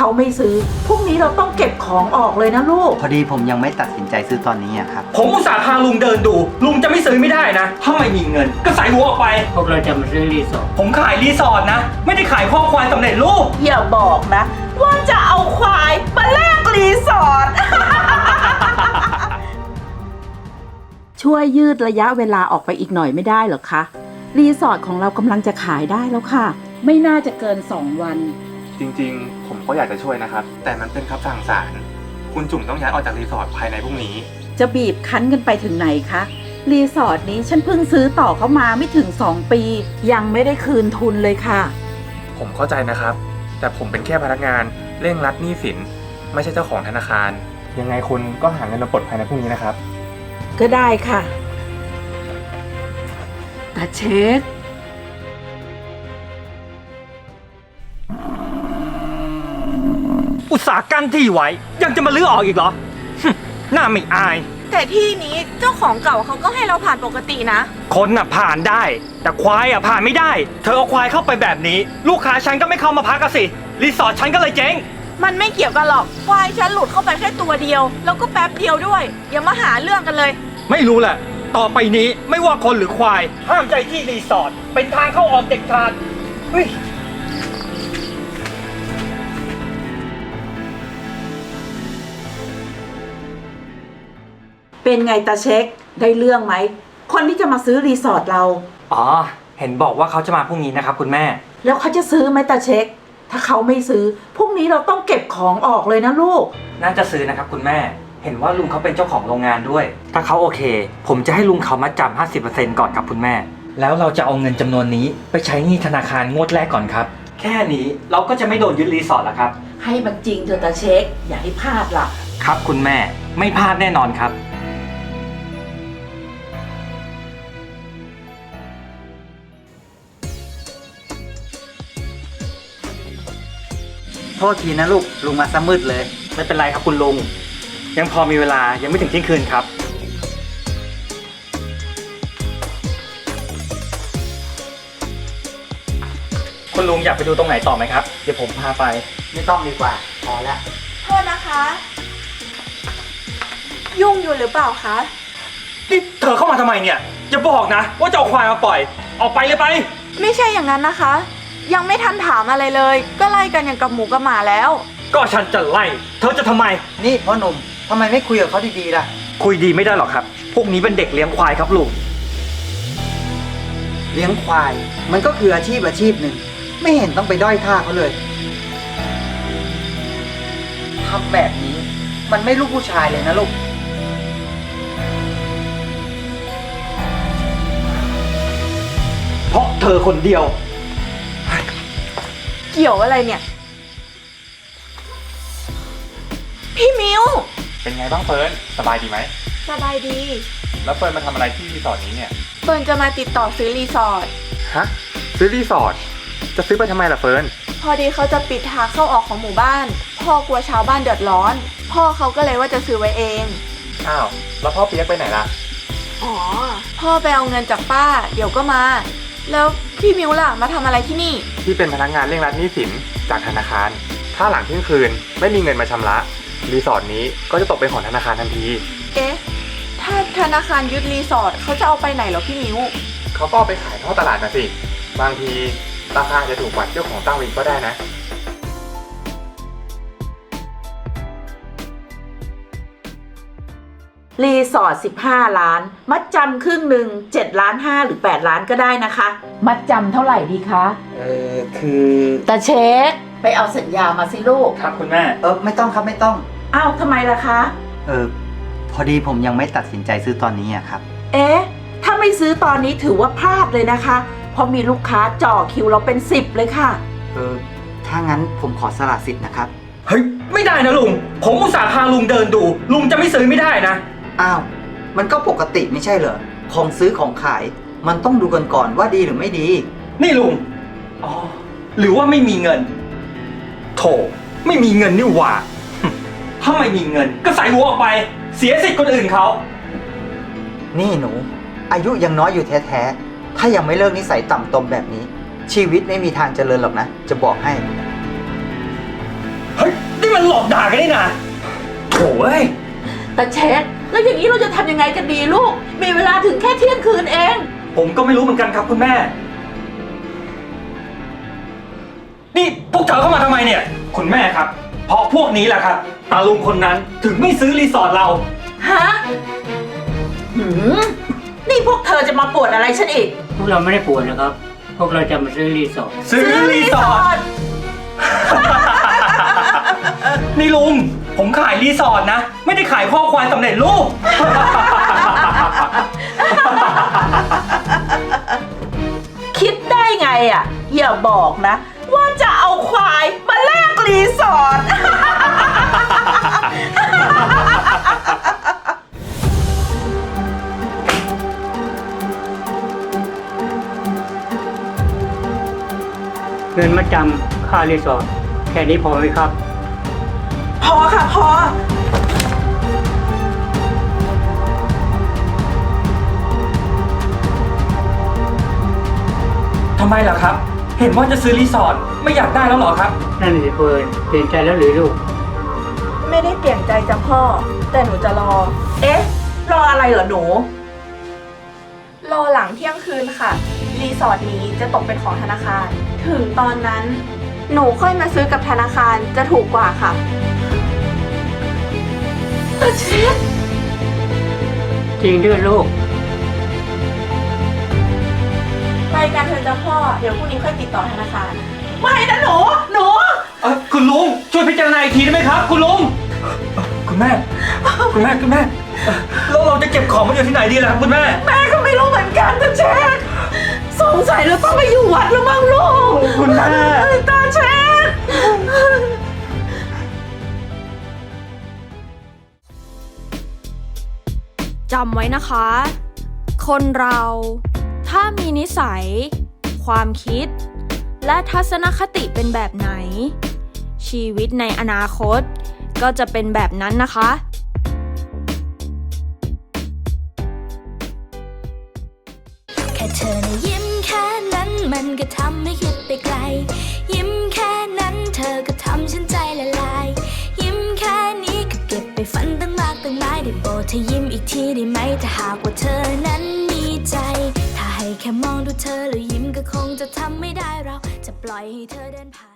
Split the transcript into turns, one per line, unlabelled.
เขาไม่ซื้อพรุ่งนี้เราต้องเก็บของออกเลยนะลูก
พอดีผมยังไม่ตัดสินใจซื้อตอนนี้ครับ
ผมอุตส่าห์พาลุงเดินดู ลุงจะไม่ซื้อไม่ได้นะ ถ้าไม่มีเงินก็ใส่หัวออกไป
พวกเราจะมาซื้อรีสอร์ท
ผมขายรีสอร์ทนะ ไม่ได้ขายข้อควายสำเร็จรูป
อย่าบอกนะว่าจะเอาควายมาแลกรีสอร์ท ช่วยยืดระยะเวลาออกไปอีกหน่อยไม่ได้เหรอคะรีสอร์ทของเรากำลังจะขายได้แล้วค่ะไม่น่าจะเกิน2 วัน
จริงๆ ผมก็อยากจะช่วยนะครับ แต่มันเป็นคำสั่งศาลคุณจุ๋มต้องย้ายออกจากรีสอร์ทภายในพรุ่งนี้
จะบีบคั้นกันไปถึงไหนคะรีสอร์ทนี้ฉันเพิ่งซื้อต่อเข้ามาไม่ถึง2 ปียังไม่ได้คืนทุนเลยค่ะ
ผมเข้าใจนะครับ แต่ผมเป็นแค่พนักงานเร่งรัดหนี้สิน ไม่ใช่เจ้าของธนาคาร ยังไงคุณก็หาเงินมาปลดภายในพรุ่งนี้นะครับ
ก็ได้ค่ะตาเช็ค
อุตส่าห์กั้นที่ไว้ ยังจะมาลื้อออกอีกเหรอ หน้าไม่อาย
แต่ที่นี้เจ้าของเก่าเขาก็ให้เราผ่านปกตินะ
คนน่ะผ่านได้ แต่ควายอ่ะผ่านไม่ได้ เธอเอาควายเข้าไปแบบนี้ ลูกค้าฉันก็ไม่เข้ามาพักกันสิ รีสอร์ทฉันก็เลยเจ๊ง
มันไม่เกี่ยวกันหรอกควายฉันหลุดเข้าไปแค่ตัวเดียว แล้วก็แป๊บเดียวด้วย อย่ามาหาเรื่องกันเลย
ไม่รู้แหละ ต่อไปนี้ไม่ว่าคนหรือควาย ห้ามใจที่รีสอร์ท เป็นทางเข้าออกเด็ดขาดเฮ้ย
เป็นไงตาเช็คได้เรื่องไหมคนที่จะมาซื้อรีสอร์ทเรา
อ๋อ เห็นบอกว่าเขาจะมาพรุ่งนี้นะครับคุณแม่
แล้วเขาจะซื้อไหมตาเช็คถ้าเขาไม่ซื้อพรุ่งนี้เราต้องเก็บของออกเลยนะลูก
น่าจะซื้อนะครับคุณแม่ เห็นว่าลุงเขาเป็นเจ้าของโรงงานด้วย ถ้าเขาโอเค ผมจะให้ลุงเขามัดจำ 50% ก่อนครับคุณแม่ แล้วเราจะเอาเงินจำนวนนี้ไปใช้หนี้ธนาคารงวดแรกก่อนครับ แค่นี้เราก็จะไม่โดนยึดรีสอร์ทแล้วครับ
ให้มันจริงเถอะตาเช็คอย่าให้พลาดล่ะ
ครับคุณแม่ ไม่พลาดแน่นอนครับ
โทษทีนะลูกลุงมาซะมืดเลย
ไม่เป็นไรครับคุณลุง ยังพอมีเวลายังไม่ถึงเที่ยงคืนครับ คุณลุงอยากไปดูตรงไหนต่อไหมครับ เดี๋ยวผมพาไป
ไม่ต้องดีกว่าพอแล้ว
โทษนะคะ ยุ่งอยู่หรือเปล่าคะ
นี่เธอเข้ามาทำไมเนี่ยอย่าบอกนะว่าจะเอาควายมาปล่อย ออกไปเลยไป
ไม่ใช่อย่างนั้นนะคะ ยังไม่ทันถามอะไรเลย ก็ไล่กันอย่างกับหมูกับหมาแล้ว
ก็ฉันจะไล่ เธอจะทำไม
นี่พ่อหนุ่มทำไมไม่คุยกับเขาดีๆล่ะ
คุยดีไม่ได้หรอกครับ พวกนี้เป็นเด็กเลี้ยงควายครับลุง
เลี้ยงควายมันก็คืออาชีพหนึ่งไม่เห็นต้องไปด้อยค่าเขาเลยทำแบบนี้มันไม่ลูกผู้ชายเลยนะลูก
เพราะเธอคนเดียว
เกี่ยวอะไรเนี่ย พี่มิว
เป็นไงบ้างเฟิร์นสบายดีไหม
สบายดี
แล้วเฟิร์นมาทำอะไรที่รีสอร์ทนี้เนี่ย
เฟิร์นจะมาติดต่อซื้อรีสอร์ท
ฮะ ซื้อรีสอร์ท จะซื้อไปทำไมล่ะเฟิร์น
พอดีเขาจะปิดทางเข้าออกของหมู่บ้าน พ่อกลัวชาวบ้านเดือดร้อน พ่อเขาก็เลยว่าจะซื้อไว้เอง
อ้าว แล้วพ่อเปียกไปไหนล่ะ
อ๋อ พ่อไปเอาเงินจากป้า เดี๋ยวก็มา แล้วพี่มิวล่ะมาทำอะไรที่นี่
ที่เป็นพนักงานเร่งรัดหนี้สินจากธนาคาร ถ้าหลังเที่ยงคืนไม่มีเงินมาชำระ รีสอร์ทนี้ก็จะตกเป็นของธนาคารทันที
เอ๊ะ ถ้าธนาคารยึดรีสอร์ทเขาจะเอาไปไหนเหรอพี่มิว
เขาก็เอาไปขายท่อตลาดนะสิ บางทีราคาจะถูกกว่าเจ้าของตั้งวินก็ได้นะ
รีสอร์ท15 ล้าน มัดจำครึ่งหนึ่ง7 ล้าน 5หรือ8 ล้านก็ได้นะคะ มัดจำเท่าไหร่ดีคะ
คือ
ตาเช็คไปเอาสัญญามาสิลูก
ครับคุณแม่
ไม่ต้องครับไม่ต้อง
อ้าวทำไมล่ะคะ
พอดีผมยังไม่ตัดสินใจซื้อตอนนี้ครับ
เอ๊ะ ถ้าไม่ซื้อตอนนี้ถือว่าพลาดเลยนะคะ เพราะมีลูกค้าจ่อคิวเราเป็น10เลยค่ะ
ถ้างั้นผมขอสละสิทธิ์นะครับ
เฮ้ย ไม่ได้นะลุง ผมอุตส่าห์พาลุงเดินดู ลุงจะไม่ซื้อไม่ได้นะ
อ้าว มันก็ปกติไม่ใช่เหรอ ของซื้อของขาย มันต้องดูกันก่อนว่าดีหรือไม่ดี
นี่ลุง อ๋อ หรือว่าไม่มีเงิน โถ ไม่มีเงินนี่หว่า ถ้าไม่มีเงินก็ใส่หัวออกไป เสียสิทธิ์คนอื่นเขา
นี่หนู อายุยังน้อยอยู่แท้ๆ ถ้ายังไม่เลิกนิสัยต่ำตมแบบนี้ ชีวิตไม่มีทางเจริญหรอกนะ จะบอกให้
เฮ้ยหลอกด่ากันนี่นะโถ่เอ้ย
แต่เช็คแล้วอย่างนี้เราจะทำยังไงกันดีลูก มีเวลาถึงแค่เที่ยงคืนเอง
ผมก็ไม่รู้เหมือนกันครับคุณแม่ นี่พวกเธอเข้ามาทำไมเนี่ย คุณแม่ครับ เพราะพวกนี้แหละครับตาลุงคนนั้นถึงไม่ซื้อรีสอร์ทเรา
ฮะนี่พวกเธอจะมาปวดอะไรฉันอีก
พวกเราไม่ได้ป่วยนะครับ พวกเราจะมาซื้อรีสอร์ท
ซื้อรีสอร์ท นี่ลุง ผมขายรีสอร์ทนะ ไม่ได้ขายข้อควายสำเร็จรูป
คิดได้ไงอ่ะ อย่าบอกนะ ว่าจะเอาควายมาแลกรีสอร์ท
เงินมาจำค่ารีสอร์ทแค่นี้พอไหมครับ
พอค่ะพอ
ทำไมล่ะครับ เห็นว่าจะซื้อรีสอร์ทไม่อยากได้แล้วเหรอครับ
นั่นสิเฟิร์นเปลี่ยนใจแล้วหรือลูก
ไม่ได้เปลี่ยนใจจ้ะพ่อ แต่หนูจะรอ
เอ๊ะ รออะไรเหรอหนู
รอหลังเที่ยงคืนค่ะ รีสอร์ทนี้จะตกเป็นของธนาคาร ถึงตอนนั้น หนูค่อยมาซื้อกับธนาคารจะถูกกว่าค่ะ
เช็ค
จริงด้วยลูก
ไปกันเถอะจ้ะพ่อ เดี๋ยวพรุ่งนี้ค่อยติดต่อธนาคาร
ไม่นะหนู
คุณลุงช่วยพิจารณาอีกทีได้ไหมครับ คุณลุงคุณแม่แล้วเราจะเก็บของมันอยู่ที่ไหนดีล่ะครับคุณแม่
แม่ก็ไม่รู้เหมือนกันตาเช็คสงสัยเราต้องไปอยู่วัดแล้วมั้งลูก
คุณแม่
ตาเช็ค
จำไว้นะคะ คนเราถ้ามีนิสัย ความคิด และทัศนคติเป็นแบบไหน ชีวิตในอนาคตก็จะเป็นแบบนั้นนะคะ
แค่เธอนะยิ้มแค่นั้นมันก็ทำให้คิดไปไกล ยิ้มแค่นั้นเธอก็ทำฉันใจละลาย ยิ้มแค่นี้ก็เก็บไปฝันตั้งมากตั้งหลายได้โปรดเธอยิ้มอีกทีได้ไหมถ้าหากว่าเธอนั้นมีใจ ถ้าให้แค่มองดูเธอแล้วยิ้มก็คงจะทำไม่ได้เราจะปล่อยให้เธอเดินผ่าน